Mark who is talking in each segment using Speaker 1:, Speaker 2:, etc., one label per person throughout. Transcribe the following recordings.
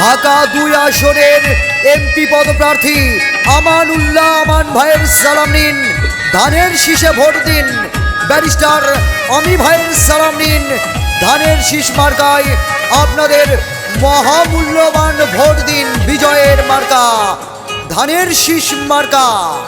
Speaker 1: ঢাকা ২ আসনের এমপি পদপ্রার্থী আমানুল্লাহ আমান ভাইয়ের সালাম নিন। ধানের শীষে ভোট দিন। ব্যারিস্টার অমি ভাইয়ের সালাম নিন। ধানের শীষ মার্কায় আপনাদের মহামূল্যবান ভোট দিন। বিজয়ের মার্কা ধানের শীষ মার্কা।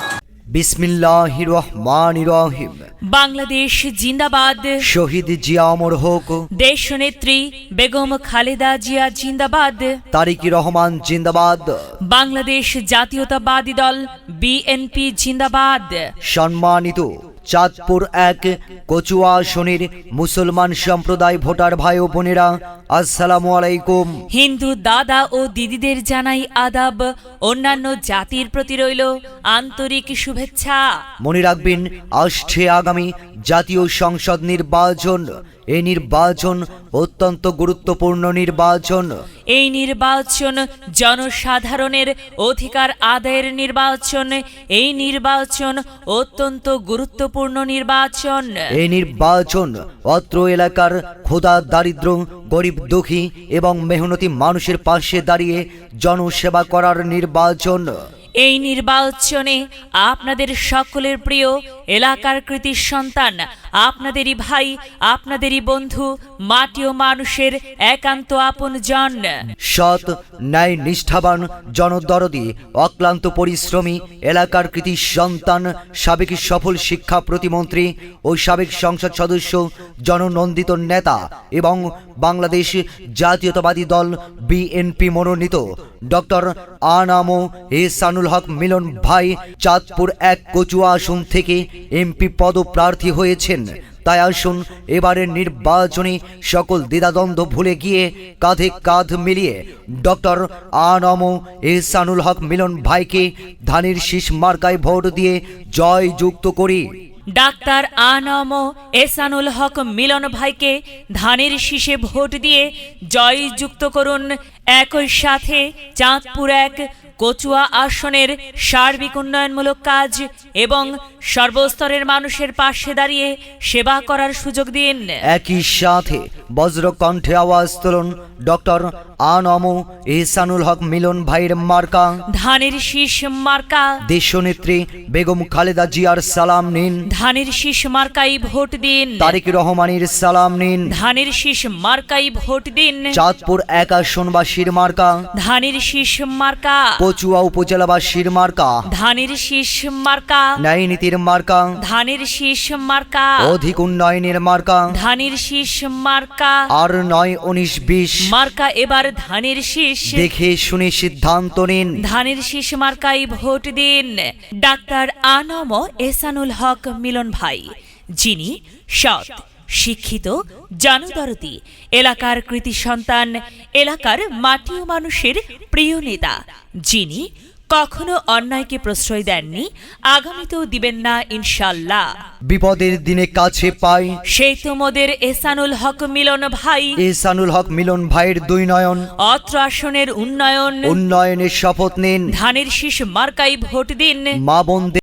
Speaker 1: বিসমিল্লাহির রহমানির রহিম।
Speaker 2: বাংলাদেশ জিন্দাবাদ।
Speaker 1: শহীদ জিয়া অমর হোক।
Speaker 2: দেশনেত্রী বেগম খালেদা জিয়া জিন্দাবাদ।
Speaker 1: তারেক রহমান জিন্দাবাদ।
Speaker 2: বাংলাদেশ জাতীয়তাবাদী দল বিএনপি জিন্দাবাদ।
Speaker 1: সম্মানিত চাঁদপুর ১ কচুয়া আসনের মুসলমান সম্প্রদায় ভোটার ভাই ও বোনেরা, আসসালামু আলাইকুম।
Speaker 2: হিন্দু দাদা ও দিদিদের জানাই আদাব। অন্যান্য জাতির প্রতি রইল আন্তরিক শুভেচ্ছা।
Speaker 1: মনে রাখবেন, আসছে আগামী জাতীয় সংসদ নির্বাচন। এই নির্বাচন অত্যন্ত গুরুত্বপূর্ণ নির্বাচন।
Speaker 2: এই নির্বাচন জনসাধারণের অধিকার আদায়ের নির্বাচন। এই নির্বাচন অত্যন্ত গুরুত্বপূর্ণ নির্বাচন।
Speaker 1: এই নির্বাচন অত্র এলাকার ক্ষুধা, দারিদ্র, গরিব, দুঃখী এবং মেহনতি মানুষের পাশে দাঁড়িয়ে জনসেবা করার নির্বাচন।
Speaker 2: এই নির্বাচনে আপনাদের সকলের প্রিয় এলাকার কৃতি সন্তান, আপনাদেরই ভাই, আপনাদেরই বন্ধু, মাটি ও মানুষের একান্ত আপনজন,
Speaker 1: সৎ, ন্যায়, নিষ্ঠাবান, জনদরদী, অক্লান্ত পরিশ্রমী এলাকার কৃতি সন্তান, সাবেক সফল শিক্ষা প্রতিমন্ত্রী ও সাবেক সংসদ সদস্য, জননন্দিত নেতা এবং বাংলাদেশ জাতীয়তাবাদী দল বিএনপি মনোনীত ডক্টর আনাম এহসানুল হক মিলন ভাই চাঁদপুর ১ কচুয়া আসন থেকে এমপি পদপ্রার্থী হয়েছেন। তাই আসুন এবারের নির্বাচনে সকল দ্বিধাদ্বন্দ্ব ভুলে গিয়ে কাঁধে কাঁধ মিলিয়ে ডক্টর আনাম এহসানুল হক মিলন ভাইকে ধানের শীষ মার্কায় ভোট দিয়ে জয়যুক্ত করি।
Speaker 2: ডাক্তার আনাম এহসানুল হক মিলন ভাইকে ধানের শীষে ভোট দিয়ে জয়যুক্ত করুন। একই সাথে চাঁদপুর ১ কচুয়া আসনের সার্বিক উন্নয়নমূলক কাজ এবং সর্বস্তরের মানুষের পাশে দাঁড়িয়ে সেবা করার সুযোগ দিন।
Speaker 1: একই সাথে বজ্রকণ্ঠে আওয়াজ তুলুন, ডক্টর আনাম এহসানুল হক মিলন ভাইয়ের মার্কা
Speaker 2: ধানের শীষ মার্কা।
Speaker 1: দেশনেত্রী বেগম খালেদা জিয়ার সালাম নিন।
Speaker 2: ধানের শীষ মার্কাই ভোট দিন।
Speaker 1: তারেক রহমানের সালাম নিন।
Speaker 2: ধানের শীষ মার্কাই ভোট দিন।
Speaker 1: চাঁদপুর ১ আসনবাসীর মার্কা
Speaker 2: ধানের শীষ মার্কা।
Speaker 1: কচুয়া উপজেলাবাসীর মার্কা
Speaker 2: ধানের শীষ মার্কা।
Speaker 1: ন্যায় নীতির মার্কা
Speaker 2: ধানের শীষ মার্কা।
Speaker 1: অধিক উন্নয়নের মার্কা
Speaker 2: ধানের শীষ মার্কা।
Speaker 1: আর ৯, ১৯, ২০
Speaker 2: মার্কা এবার ধানের শীষ।
Speaker 1: দেখে শুনে সিদ্ধান্ত নিন।
Speaker 2: ধানের শীষ মার্কাই ভোট দিন। ডাক্তার আনাম এহসানুল হক মিলন ভাই, যিনি সৎ, শিক্ষিত, জনদরদী, এলাকার কৃতি সন্তান, এলাকার মাটি ও মানুষের প্রিয় নেতা, যিনি কখনো অন্যায়কে প্রশ্রয় দেননি, আগামীতেও দিবেন না ইনশাল্লাহ।
Speaker 1: বিপদের দিনে কাছে পাই
Speaker 2: সেই তোমাদের এহসানুল হক মিলন ভাই।
Speaker 1: এহসানুল হক মিলন ভাইয়ের ২ নয়ন।
Speaker 2: অত্র আসনের উন্নয়নের
Speaker 1: উন্নয়নের শপথ নিন।
Speaker 2: ধানের শীষ মার্কাই ভোট দিন।
Speaker 1: মা বোনদের